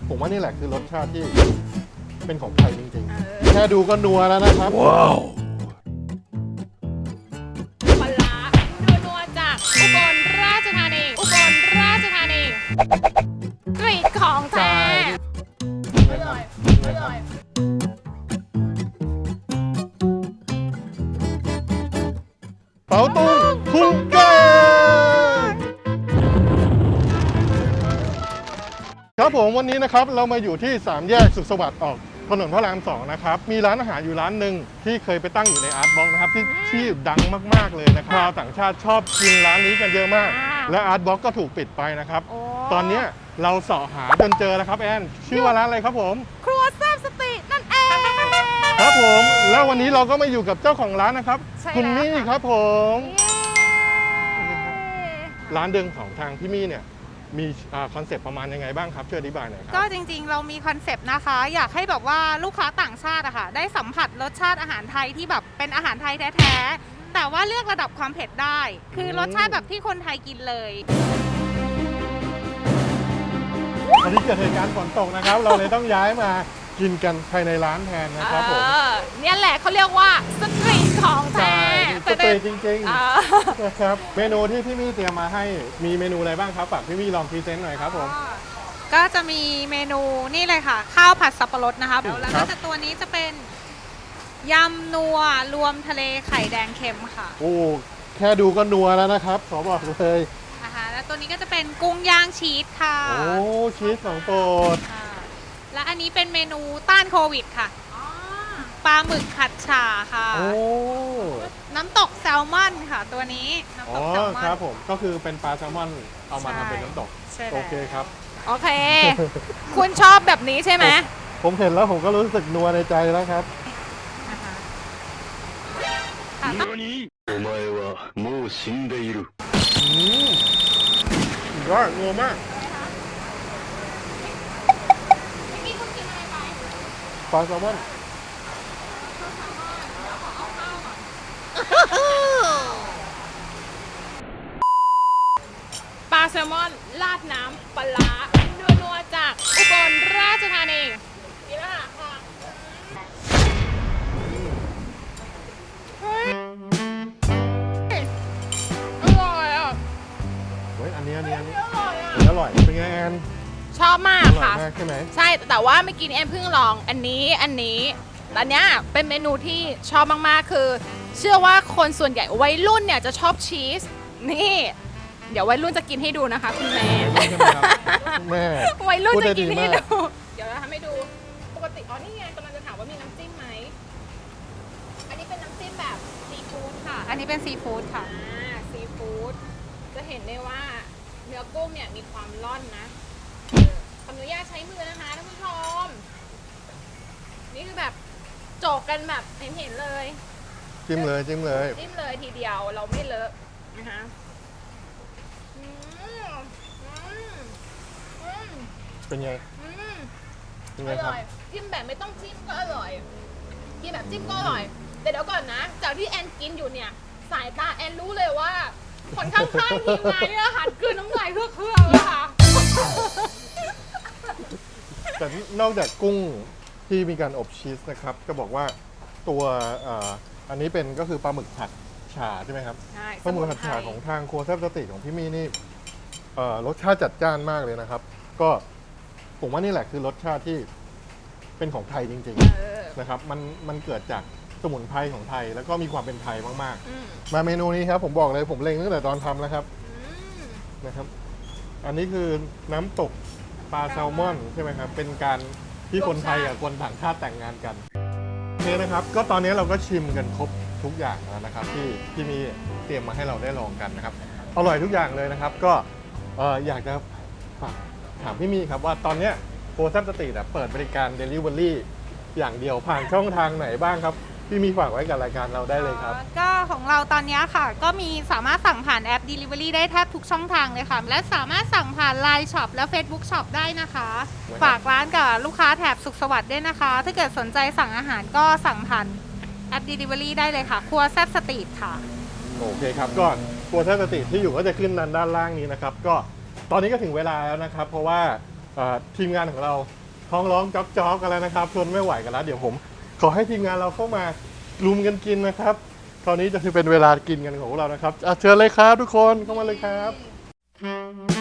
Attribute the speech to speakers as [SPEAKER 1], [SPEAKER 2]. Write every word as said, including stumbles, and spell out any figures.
[SPEAKER 1] ผมว่านี่แหละคือรสชาติที่เป็นของไทยจริงๆแค่ดูก็นัวแล้วนะครับว้าว
[SPEAKER 2] ปลาร้านัวๆจากอุบลราชธานีอุบลราชธานีกรีดของแท้อร่อยอร่อย
[SPEAKER 1] เป๋าตุงทุ่งแกงครับผมวันนี้นะครับเรามาอยู่ที่สามแยกสุขสวัสดิ์ออกถนนพระรามสองนะครับมีร้านอาหารอยู่ร้านหนึ่งที่เคยไปตั้งอยู่ในอาร์ตบ็อกนะครับที่ที่ดังมากๆเลยนะครับชาวต่างชาติชอบกินร้านนี้กันเยอะมากและอาร์ตบ็อกก็ถูกปิดไปนะครับตอนนี้เราเสาะหาจนเจอแล้วครับแอนชื่อว่าร้านอะไรครับผม
[SPEAKER 2] ครัวแซ่บสตินั่นเอง
[SPEAKER 1] ครับผมแล้ววันนี้เราก็มาอยู่กับเจ้าของร้านนะครับคุณมี่ครับผมร้านเดิมของทางพี่มี่เนี่ยมีคอนเซปต์ประมาณยังไงบ้างครับช่วยอธิบายหน่อยครับ
[SPEAKER 3] ก็จริงๆเรามีคอนเซปต์นะคะอยากให้แบบว่าลูกค้าต่างชาติอะค่ะได้สัมผัสรสชาติอาหารไทยที่แบบเป็นอาหารไทยแท้ๆแต่ว่าเลือกระดับความเผ็ดได้ คือรสชาติแบบที่คนไทยกินเลย
[SPEAKER 1] วันนี้เกิดเหตุการณ์ฝนตกนะครับ เราเลยต้องย้ายมากินกันภายในร้านแทนนะครับผม
[SPEAKER 2] เนี่ยแหละเขาเรียกว่าสตรีทของแท้
[SPEAKER 1] สตรีทจริงๆนะครับเมนูที่พี่มี่เตรียมมาให้มีเมนูอะไรบ้างครับฝากพี่มี่ลองพรีเซนต์หน่อยครับผม
[SPEAKER 3] ก็จะมีเมนูนี่เลยค่ะข้าวผัดสับปะรดนะคะแล้วก็จะตัวนี้จะเป็นยำนัวรวมทะเลไข่แดงเค็มค่ะ
[SPEAKER 1] โอ้แค่ดูก็นัวแล้วนะครับขอบอกเลย
[SPEAKER 3] นะคะแล้วตัวนี้ก็จะเป็นกุ้งย่างชีสค่ะ
[SPEAKER 1] โอ้ชีสของโปรด
[SPEAKER 3] และอันนี้เป็นเมนูต้านโควิดค่ะปลาหมึกผัดฉ่าค่ะ
[SPEAKER 1] โอ้
[SPEAKER 3] น้ำตกแซลมอนค่ะตัวนี้น้ำตกแซลมอน
[SPEAKER 1] ครับผมก็คือเป็นปลาแซลมอนเอามาทำเป็นน้ำตกโอเคครับ
[SPEAKER 2] โอเคคุณชอบแบบนี้ใช่ไหม
[SPEAKER 1] ผมเห็นแล้วผมก็รู้สึกนัวในใจแล้วครับお前はもう死んでいるอืมยอดนัวมากปลาแซลมอน
[SPEAKER 2] ปลาแซลมอนราดน้ำปลาร้านัวๆจากอุบลราชธานีนี่ละค่ะอร่อยอ่ะ
[SPEAKER 1] เฮ้ยอันนี้อันนี้อันนี้
[SPEAKER 2] อร่อยอ่ะ
[SPEAKER 1] อร่อยเป็นไงแอน
[SPEAKER 2] ชอบมากค่ะ
[SPEAKER 1] ใช่ไหม
[SPEAKER 2] ใช่แต่ว่าเมื่อกี้แอนเพิ่งลองอันนี้อันนี้อันเนี้ยเป็นเมนูที่ชอบมากๆคือเชื่อว่าคนส่วนใหญ่วัยรุ่นเนี่ยจะชอบชีสนี่เดี๋ยววัยรุ่นจะกินให้ดูนะคะคุณแม่
[SPEAKER 1] แม่
[SPEAKER 2] วัยรุ่นจะกินให้ดูเดี๋ยวเราทำให้ดูปกติอ๋อนี่ไงกำลังจะถามว่ามีน้ำจิ้มไหมอันนี้เป็นน้ำจิ้มแบบซีฟู้ดค่ะ
[SPEAKER 3] อันนี้เป็นซีฟู้ดค่ะ
[SPEAKER 2] อ่าซีฟู้ดจะเห็นได้ว่าเนื้อกุ้งเนี่ยมีความร่อนนะขออนุญาตใช้มือนะคะท่านผู้ชมนี่คือแบบโจกกันแบบเห็นเห็นเลย
[SPEAKER 1] จิ้มเลยจิ้มเลย
[SPEAKER 2] จิ้มเลยทีเดียวเราไม่เลอะนะคะ
[SPEAKER 1] เป็นไง
[SPEAKER 2] อร่อยจิ้มแบบไม่ต้องจิ้มก็อร่อยกินแบบจิ้มก็อร่อยแต่เดี๋ยวก่อนนะจากที่แอนกินอยู่เนี่ยสายตาแอนรู้เลยว่าคนข้างๆทีมงานเนี่ยหันกลืนน้ำลายเพื่อเครื่องเลยค่ะ
[SPEAKER 1] แต่นอกจากกุ้งที่มีการอบชีสนะครับก็บอกว่าตัวอันนี้เป็นก็คือปลาหมึกผัดฉ่าใช่ไหมครับ
[SPEAKER 2] ใช่
[SPEAKER 1] ปลาหมึกผัดฉ่าของทางครัวแซ่บสติของพี่มี่นี่รสชาติจัดจ้านมากเลยนะครับก็ผมว่านี่แหละคือรสชาติที่เป็นของไทยจริงๆนะครับมันมันเกิดจากสมุนไพรของไทยแล้วก็มีความเป็นไทยมากๆมาเมนูนี้ครับผมบอกเลยผมเล็งตั้งแต่ตอนทำแล้วครับนะครับอันนี้คือน้ำตกปลาแซลมอนใช่ไหมครับเป็นการที่คนไทยกับคนต่างชาติแต่งงานกันโอเคนะครับก็ตอนนี้เราก็ชิมกันครบทุกอย่างแล้วนะครับที่ที่มีเตรียมมาให้เราได้ลองกันนะครับอร่อยทุกอย่างเลยนะครับก็อยากจะฝากถามพี่มี่ครับว่าตอนนี้โคแซ่บสตรีทเปิดบริการ Delivery อย่างเดียวผ่านช่องทางไหนบ้างครับพี่มีฝากไว้กับรายการเราได้เลยครับ
[SPEAKER 3] ก็ของเราตอนนี้ค่ะก็มีสามารถสั่งผ่านแอป Delivery ได้แทบทุกช่องทางเลยค่ะและสามารถสั่งผ่าน ไลน์ Shop และ Facebook Shop ได้นะคะฝากร้านกับลูกค้าแถบสุขสวัสดิ์ด้วยนะคะถ้าเกิดสนใจสั่งอาหารก็สั่งผ่านแอป Delivery ได้เลยค่ะครัวแซ่บสตรีทค่ะ
[SPEAKER 1] โอเคครับก็ครัวแซ่บสตรีทที่อยู่ก็จะขึ้นด้านด้านล่างนี้นะครับก็ตอนนี้ก็ถึงเวลาแล้วนะครับเพราะว่าเอ่อทีมงานของเราท้องร้องจ๊อกจ๊อกกันแล้วนะครับทนไม่ไหวกันแล้วเดี๋ยวผมขอให้ทีมงานเราเข้ามารุมกันกินนะครับคราวนี้จะเป็นเวลากินกันของพวกเรานะครับอ่ะเชิญเลยครับทุกคนเข้ามาเลยครับ